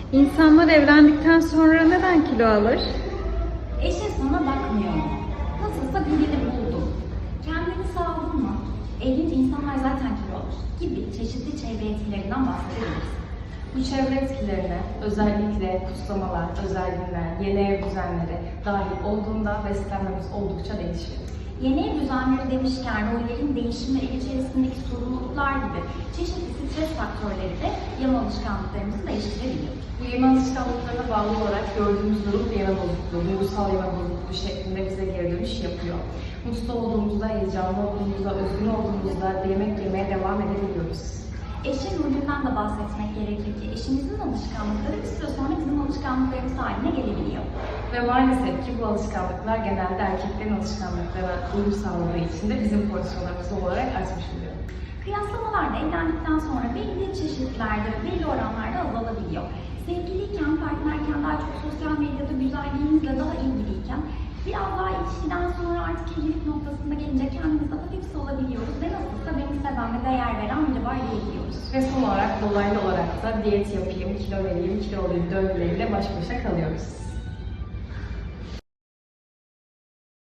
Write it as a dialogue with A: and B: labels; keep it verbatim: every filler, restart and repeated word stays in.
A: İnsanlar evlendikten sonra neden kilo alır?
B: Eşin sana bakmıyor mu? Nasılsa birini buldun. Kendini sağladın mı? Evlinince insanlar zaten kilo alır gibi çeşitli çevre etkilerinden bahsedebiliriz.
C: Bu çevre etkilerine özellikle kutlamalar, özel günler, yeni ev düzenleri dahil olduğunda beslenmemiz oldukça değişir.
B: Yeni ev düzenleri demişken rollerin değişimleri içerisindeki sorumluluklar gibi çeşitli stres faktörleri de yeme alışkanlıklarımızı değiştirebiliyor.
C: Bu yeme alışkanlıklarına bağlı olarak gördüğümüz durum bir yeme bozukluğu, duygusal yeme bozukluğu şeklinde bize geri dönüş yapıyor. Mutlu olduğumuzda, heyecanlı olduğumuzda, özgün olduğumuzda yemek yemeye devam edebiliyoruz.
B: Eşin rolünden de bahsetmek gerekir ki eşimizin alışkanlıkları bir süre sonra bizim alışkanlıklarımız haline gelebiliyor.
C: Ve maalesef ki bu alışkanlıklar genelde erkeklerin alışkanlıklarına uyum sağladığı için de bizim porsiyonlarımız olarak artmış oluyor.
B: Kıyaslamalar da evlendikten sonra belli çeşitlerde ve belli oranlarda azalabiliyor. Sevgiliyken, partnerken daha çok sosyal medyada güzelliğimizle daha ilgiliyken biraz daha ilişkiden sonra artık evlilik noktasında gelince kendimizi hafif salabiliyoruz ve nasılsa beni seven ve değer veren biri var diyebiliyoruz.
C: Ve son olarak dolaylı olarak da diyet yapayım, kilo vereyim, kilo olayım döngüleriyle baş başa kalıyoruz.